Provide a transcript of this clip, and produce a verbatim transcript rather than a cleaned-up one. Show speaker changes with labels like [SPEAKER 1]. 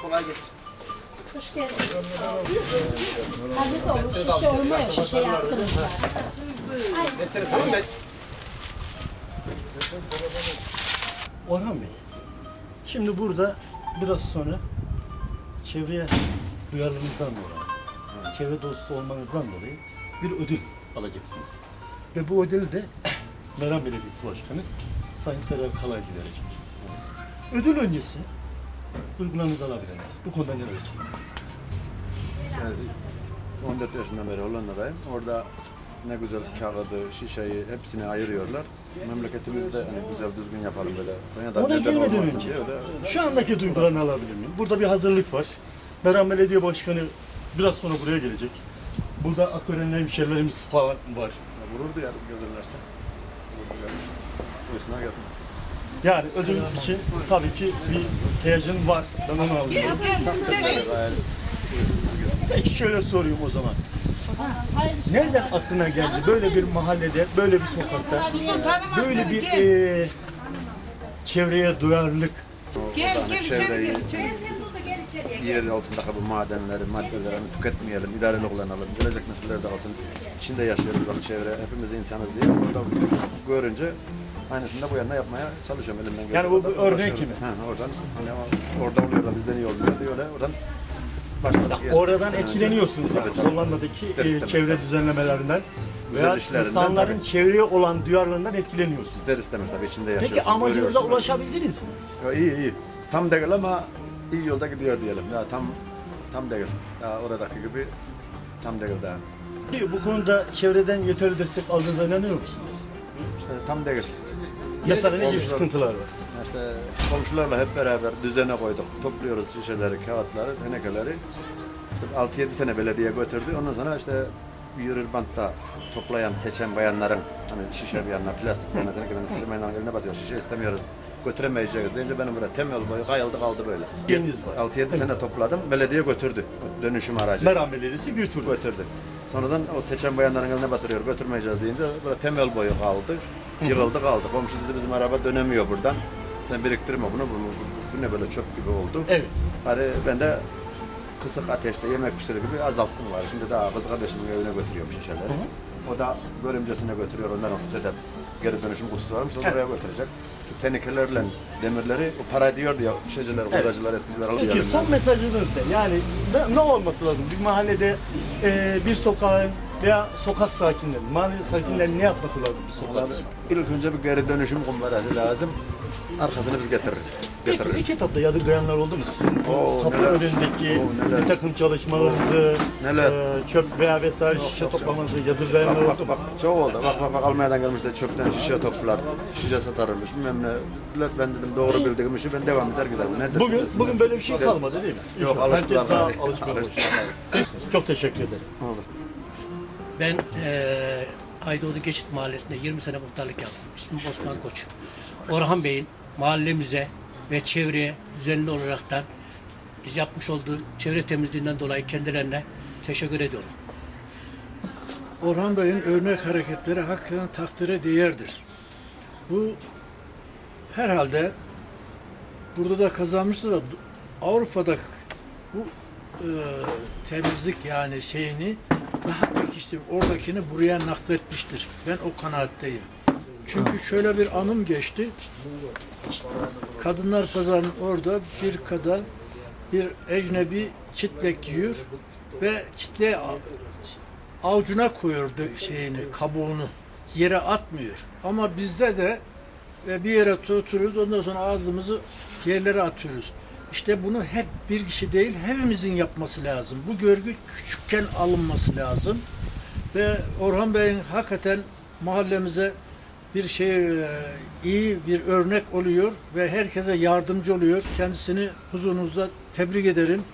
[SPEAKER 1] Kolay gelsin.
[SPEAKER 2] Hoş geldin. Hazret olur, şişe olmuyor, şişe yaptınız. Aynen.
[SPEAKER 3] Orhan Bey, şimdi burada biraz sonra çevreye duyarlılığınızdan dolayı, çevre dostu olmanızdan dolayı bir ödül alacaksınız. Ve bu ödülü de Meram Belediyesi Başkanı Sayın Serap Kalaycı verecek. Ödül öncesi duygularınızı alabilir miyiz? Bu konuda neler söylemek istersiniz?
[SPEAKER 4] Yani on dört yaşından beri Hollanda'dayım. Orada ne güzel kağıdı, şişeyi hepsini ayırıyorlar. Memleketimizde hani güzel düzgün yapalım böyle. Konya'da
[SPEAKER 3] Ona
[SPEAKER 4] neden
[SPEAKER 3] gelmeden
[SPEAKER 4] olmasın
[SPEAKER 3] önce
[SPEAKER 4] diye öyle.
[SPEAKER 3] şu andaki duygularını alabilir miyim? Burada bir hazırlık var. Meram Belediye Başkanı biraz sonra buraya gelecek. Burada Akören'le hemşerilerimiz falan var.
[SPEAKER 4] Ya Gurur duyarız gelirlerse. Gurur duyarız. Buyursunlar gelsin.
[SPEAKER 3] Yani ödül için tabii ki bir heyecan var. Ben onu alıyorum. Peki şöyle sorayım o zaman. Nereden aklına geldi böyle bir mahallede, böyle bir sokakta, böyle bir e, çevreye duyarlılık?
[SPEAKER 4] Gel, gel, çevreyi, yer altındaki bu madenleri, maddeleri hani tüketmeyelim, idareli kullanalım. Gelecek nesiller de alsın. İçinde yaşıyoruz bak çevre, hepimiz insanız diye. Orada görünce aynısını da bu yana yapmaya çalışıyorum elimden geldiği
[SPEAKER 3] Yani bu
[SPEAKER 4] kadar
[SPEAKER 3] bir örnek
[SPEAKER 4] uğraşıyoruz.
[SPEAKER 3] gibi.
[SPEAKER 4] Ha, oradan, hani ama orada oluyor da bizden iyi olmuyor diyor öyle. Oradan başka
[SPEAKER 3] Oradan etkileniyorsunuz yani. Hollanda'daki
[SPEAKER 4] İster
[SPEAKER 3] e,
[SPEAKER 4] istemez.
[SPEAKER 3] çevre düzenlemelerinden
[SPEAKER 4] Güzel
[SPEAKER 3] veya
[SPEAKER 4] işlerinden
[SPEAKER 3] insanların
[SPEAKER 4] tabii.
[SPEAKER 3] çevreye olan duyarlılığından etkileniyorsunuz.
[SPEAKER 4] İster istemez tabii içinde yaşıyorsun.
[SPEAKER 3] Peki amacınıza
[SPEAKER 4] görüyorsun.
[SPEAKER 3] ulaşabildiniz mi?
[SPEAKER 4] Ya iyi iyi. Tam değil ama iyi yolda gidiyor diyelim. Ya tam tam değil. Ya oradaki gibi tam değil daha.
[SPEAKER 3] Peki bu konuda çevreden yeterli destek aldığınıza inanıyor musunuz?
[SPEAKER 4] İşte tam değil.
[SPEAKER 3] Mesela ne gibi
[SPEAKER 4] Komşular-
[SPEAKER 3] sıkıntılar var?
[SPEAKER 4] İşte komşularla hep beraber düzene koyduk. Topluyoruz şişeleri, kağıtları, tenekeleri. İşte altı yedi sene belediye götürdü. Ondan sonra işte yürür bantta toplayan, seçen bayanların hani şişe bir yanına, plastik bir yanına, teneke bir yanına, seçen bayanların eline batıyor. Şişe istemiyoruz, götüremeyeceğiz deyince benim burada temel boyu kayıldı kaldı böyle.
[SPEAKER 3] Deniz var.
[SPEAKER 4] altı yedi sene topladım, belediye götürdü. Dönüşüm aracı.
[SPEAKER 3] Meram Belediyesi götürdü.
[SPEAKER 4] Götürdü. Sonradan o seçen bayanların eline batırıyor, götürmeyeceğiz deyince böyle temel boyu kaldı. Yığıldı kaldı. Komşu dedi bizim araba dönemiyor buradan. Sen biriktirme bunu, bu, bu, bu ne böyle çöp gibi oldu.
[SPEAKER 3] Evet.
[SPEAKER 4] Hani ben de kısık ateşte yemek pişirir gibi azalttım var. Şimdi daha kız kardeşimin evine götürüyorum şişeleri. O da görümcesine götürüyor. Onların sitede geri dönüşüm kutusu varmış. O da oraya götürecek. Şu tenekelerle demirleri o para diyor ya şişeciler, hurdacılar, eskiciler alıyor.
[SPEAKER 3] Peki son mesajınız ne? Yani ne, ne olması lazım? Bir mahallede e, bir sokağın veya sokak sakinleri, mahalle sakinlerinin ne yapması lazım bir sokak için?
[SPEAKER 4] İlk önce bir geri dönüşüm kumbarası lazım. Arkasını biz getiririz.
[SPEAKER 3] Peki
[SPEAKER 4] Getiririz.
[SPEAKER 3] ilk etapta yadırgayanlar oldu mu? Sizin
[SPEAKER 4] Oo,
[SPEAKER 3] kapı
[SPEAKER 4] neler.
[SPEAKER 3] önündeki
[SPEAKER 4] Oo, neler.
[SPEAKER 3] bir takım çalışmalarınızı,
[SPEAKER 4] Neler.
[SPEAKER 3] e, çöp veya vesaire şişe toplamanızı yadırgayanlar
[SPEAKER 4] Bak
[SPEAKER 3] oldu
[SPEAKER 4] bak
[SPEAKER 3] mu?
[SPEAKER 4] bak çok oldu. Bak bak bak Almanya'dan gelmiş de çöpten şişe toplar. Şişe satarmış. Bilmem ne. Dediler, ben dedim doğru bildiğim işi ben devam eder giderim. Ne dersin
[SPEAKER 3] Bugün
[SPEAKER 4] desinler.
[SPEAKER 3] bugün böyle bir şey
[SPEAKER 4] Gidelim.
[SPEAKER 3] kalmadı değil mi?
[SPEAKER 4] Yok
[SPEAKER 3] İnşallah.
[SPEAKER 4] alıştılar.
[SPEAKER 3] Herkes daha
[SPEAKER 4] tabii.
[SPEAKER 3] alışmaya başladı.
[SPEAKER 4] Alıştılar.
[SPEAKER 3] Çok teşekkür ederim.
[SPEAKER 4] Olur.
[SPEAKER 5] Ben eee Aydoğdu Geçit Mahallesi'nde yirmi sene muhtarlık yaptım. İsmim Osman Koç. Orhan Bey'in mahallemize ve çevreye düzenli olaraktan yapmış olduğu çevre temizliğinden dolayı kendilerine teşekkür ediyorum.
[SPEAKER 6] Orhan Bey'in örnek hareketleri hakikaten takdire değerdir. Bu herhalde burada da kazanmıştır da Avrupa'da bu e, temizlik yani şeyini daha pekiştirip oradakini buraya nakletmiştir. Ben o kanaatteyim. Çünkü şöyle bir anım geçti. Kadınlar Pazarı'nın orada bir kadın bir ecnebi çitlek giyiyor ve çitleği avucuna koyuyordu şeyini, kabuğunu. Yere atmıyor. Ama bizde de ve bir yere tutuyoruz, ondan sonra ağzımızı yerlere atıyoruz. İşte bunu hep bir kişi değil, hepimizin yapması lazım. Bu görgü küçükken alınması lazım. Ve Orhan Bey'in hakikaten mahallemize bir şey e, iyi bir örnek oluyor ve herkese yardımcı oluyor. Kendisini huzurunuzda tebrik ederim.